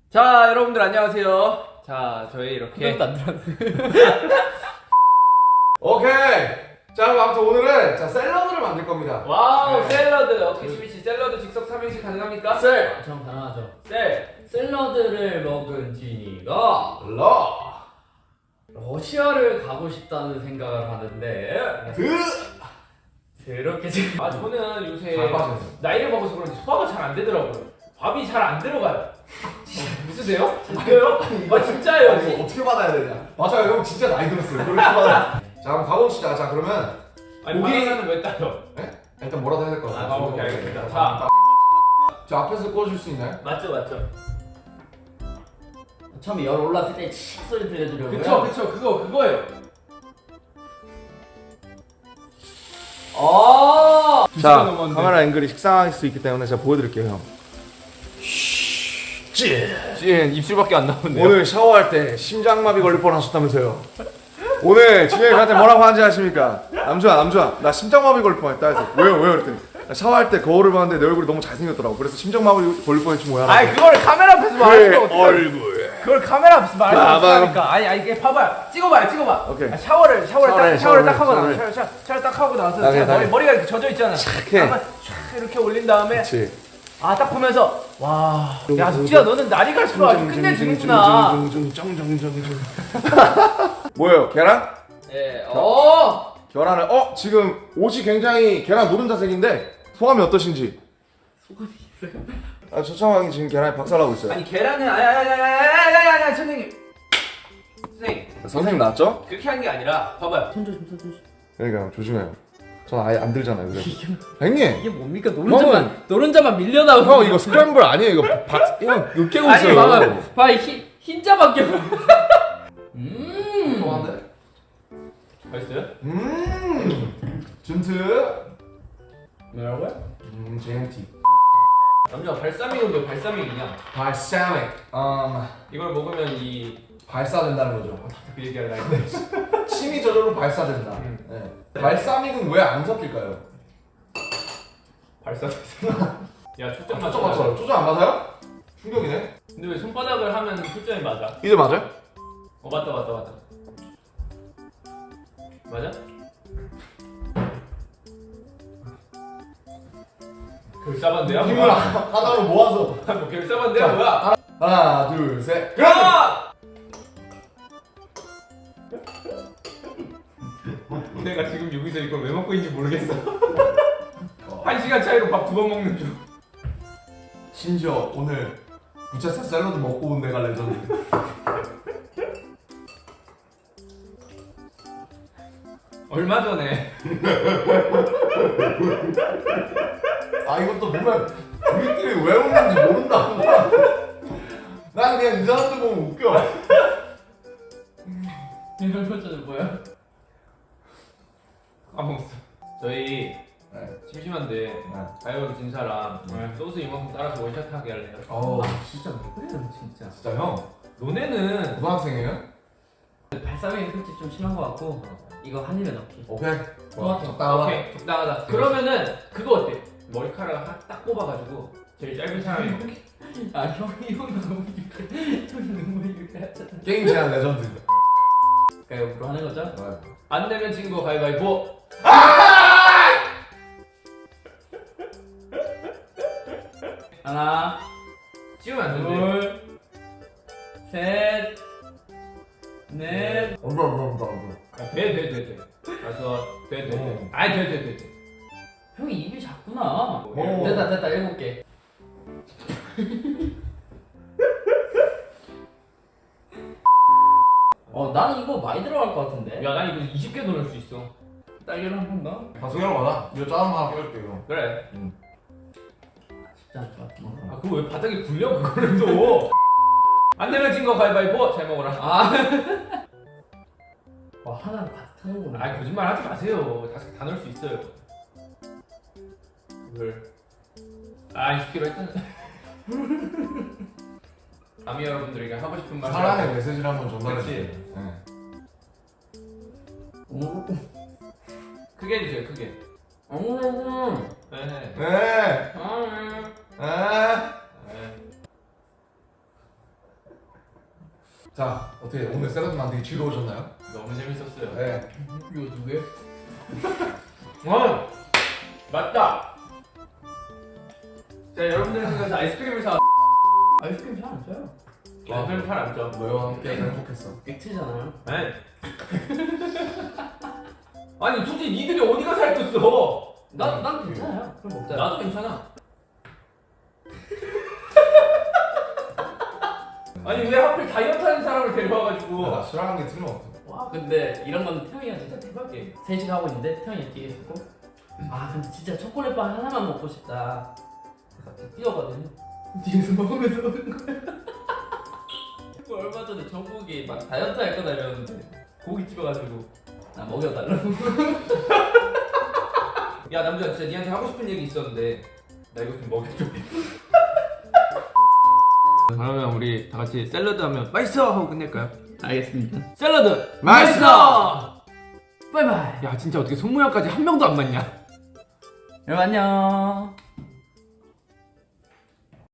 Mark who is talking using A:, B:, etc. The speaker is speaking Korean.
A: 자, 여러분들 안녕하세요. 자, 저희 이렇게
B: 안 들었어요.
C: 오케이. 자, 그럼 아무튼 오늘은 자 샐러드를 만들 겁니다.
A: 와우,
C: 네.
A: 샐러드. 어떻게 지민씨 샐러드 즉석 삼행시 가능합니까?
C: 셀,
B: 전 가능하죠.
A: 셀.
B: 샐러드를 먹은 지니가 러시아를 가고 싶다는 생각을 하는데 그렇게 지금
A: 아, 저는 요새
C: 잘 빠졌네.
A: 나이를 먹어서 그런지 소화가 잘 안 되더라고요. 밥이 잘 안 들어가요. 무슨데요? 진짜요? 아, 진짜예요.
C: 아니, 이거 어떻게 받아야 되냐? 맞아요, 형 진짜 나이 들었어요. 그렇게 받아. 자, 그럼 가봅시다. 자, 그러면
A: 아니,
C: 고기-
A: 바나나는 왜 따요?
C: 일단 뭐라도 해야 될 것 같아요.
A: 오케이, 알겠습니다. 자,
C: 자, 앞에서 꽂아줄 수 있나요?
A: 맞죠, 맞죠.
B: 처음에 열 올랐을 때 칙 소리 들려주려고요.
A: 그쵸, 그거예요.
B: 아
C: 자, 카메라 앵글이 식상할 수 있기 때문에 제가 보여드릴게요, 형.
A: 찐 입술밖에 안 나오는데요.
C: 오늘 샤워할 때 심장마비 걸릴 뻔하셨다면서요? 오늘 진영이 저한테 뭐라고 하는지 아십니까? 남주아, 나 심장마비 걸릴 뻔했다 해서 왜요? 그랬더니 나 샤워할 때 거울을 봤는데 내 얼굴이 너무 잘생겼더라고. 그래서 심장마비 걸릴 뻔했지 뭐야.
A: 아니, 그걸 카메라 앞에서
C: 그
A: 말하면 어떡해.
C: 얼굴.
A: 그걸 카메라 앞에서 말하면
C: 봐봐.
A: 어떡합니까? 아니, 이게 봐봐요. 찍어봐.
C: 오케이.
A: 아, 샤워를 딱 하고 나서 샤워를 딱 하고 나서
C: 오케이,
A: 자,
C: 오케이.
A: 머리가 이렇게 젖어 있잖아.
C: 착해.
A: 한번 촥 이렇게 올린 다음에
C: 그렇지.
A: 아, 딱 보면서 와, 야, 숙지야, 너는 날이 갈수록 아주 끝내주는구나.
C: 뭐예요? 계란?
B: 네.
C: 계란을 지금 옷이 굉장히 계란 노른자색인데 소감이 어떠신지?
B: 소감이 있어요?
C: 아, 초창왕이 지금 계란에 박살나고 있어요.
A: 아니, 계란은 아니, 선생님.
C: 선생님 나왔죠?
A: 그렇게 한 게 아니라 봐봐요.
B: 손 조심.
C: 그러니까 조심해요. 전 아예 안 들잖아요. 그래서. 형님,
B: 이게 뭡니까? 노른자만 밀려나오고.
C: 형 이거 스크램블 아니에요. 이거 형 으깨고
B: 아니
C: 있어요.
B: 봐봐 흰자밖에.
C: 좋아한데?
A: 맛있어요?
C: 준트.
B: 뭐라고요?
C: JMT.
A: 남자 발사믹은 왜 발사믹이냐?
C: 발사믹.
A: 이걸 먹으면 이
C: 발사된다는 거죠.
A: 그 얘기하려 했는데
C: 침이 저절로 발사된다. 네. 발사믹은 왜 안 섞일까요?
A: 발사됐어. 야, 초점
C: 초점
A: 맞춰.
C: 맞춰요. 초점 안 맞아요? 충격이네.
A: 근데 왜 손바닥을 하면 초점이 맞아?
C: 이제 맞아요?
A: 맞다. 맞아? 결사반대야?
C: 힘을
A: 뭐야?
C: 하나로 모아서.
A: 뭐 결사반대야 뭐야?
C: 하나, 둘, 셋.
A: 야! 내가 지금 여기서 이걸 왜 먹고 있는지 모르겠어. 1시간 차이로 밥 2번 먹는 중.
C: 심지어 오늘 부채살 샐러드 먹고 온 내가 레전드.
A: 얼마 전에
C: 이것도 보면 우리끼리 왜 웃는지 모른다. 난 그냥 이 사람들 보면 웃겨.
B: 이걸 버전은 뭐야?
A: 까먹었어. 저희
C: 네.
A: 심심한데 가위바위보 진 사람 소스 이만큼 따라서 원샷 하게 할래요?
B: 진짜 왜 그래요 진짜.
C: 진짜 형
A: 너네는
C: 고등학생이에요?
B: 발사믹이 솔직히 좀 심한 것 같고 이거 한 입에 넣기.
C: 오케이.
B: 토마토.
C: 적당하다.
A: 오케이, 적당하다. 그러면은 그거 어때? 머리카락 딱 뽑아가지고 제일 짧은 사람이 먹기.
B: 아 형이 너무 유쾌. 형이 너무 유쾌하잖아.
C: 게임 제한 레전드.
B: 가위바위보 하는 거죠?
A: 안 되면 진 거 가위바위보.
B: 하나,
A: 찍으면 안 된대.
B: 둘, 셋, 넷.
A: 돼. 가서 돼. 아이 돼.
B: 형이 입이 작구나.
C: 어.
B: 됐다 7개. 나는 이거 많이 들어갈 것 같은데.
A: 야, 난 이거 20개 넣을 수 있어.
B: 딸기를 한 번가?
C: 방송이랑 가자. 이거 짜는 거 하나 껴줄게 이거.
A: 그래.
B: 쉽지 않을 것 같아.
A: 아, 그거 왜 바닥에 굴려 그거를 또. 안 되면 진 거 가위바위보. 잘 먹어라.
B: 와 하나는 다 타는구나.
A: 아, 거짓말 하지 마세요. 5개 다 넣을 수 있어요. 이걸 20개로 했잖아. 남이 여러분들에게 하고 싶은 말.
C: 사랑의 메시지를 한번 전달해
A: 그치.
C: 주세요. 네.
A: 크게 해주세요. 크게. 네.
C: 네.
B: 아,
C: 네. 자, 어떻게 오늘 샐러드 만들기 즐거우셨나요?
A: 너무 재밌었어요.
C: 네.
B: 이거 누구예요?
A: 맞다. 자, 여러분들 생각해서 아이스크림을 사.
B: 아이스크림 잘 안 써요.
A: 아이스크림 잘안 쪄.
C: 너와 함께해서 행복했어.
B: 액체잖아요.
A: 네. 아니 솔직히 니들이 어디가 살쪘어?
B: 난 괜찮아요. 그럼 먹자.
A: 나도 괜찮아. 아니 왜 하필 다이어트 하는 사람을 데려와가지고.
C: 나 술하는 게 틀림없어.
B: 와 근데 이런 건 태영이가 진짜 대박이에요. 3시간 하고 있는데 태영이 뒤에 있었고 아 근데 진짜 초콜릿빵 하나만 먹고 싶다. 그래서 갑자기 뛰어가더니 뒤에서 먹으면서 오는 거야. 그 얼마 전에 정국이 막 다이어트 할 거다 이러는데 고기 찍어가지고 나 먹여달라고.
A: 야 남자 진짜 니한테 하고 싶은 얘기 있었는데 나 이거 좀 먹여줘. 그러면 우리 다 같이 샐러드 하면 맛있어 하고 끝낼까요?
B: 알겠습니다.
A: 샐러드
C: 맛있어!
B: 바이바이.
A: 야 진짜 어떻게 손모양까지 한 명도 안 맞냐?
B: 여러분 안녕.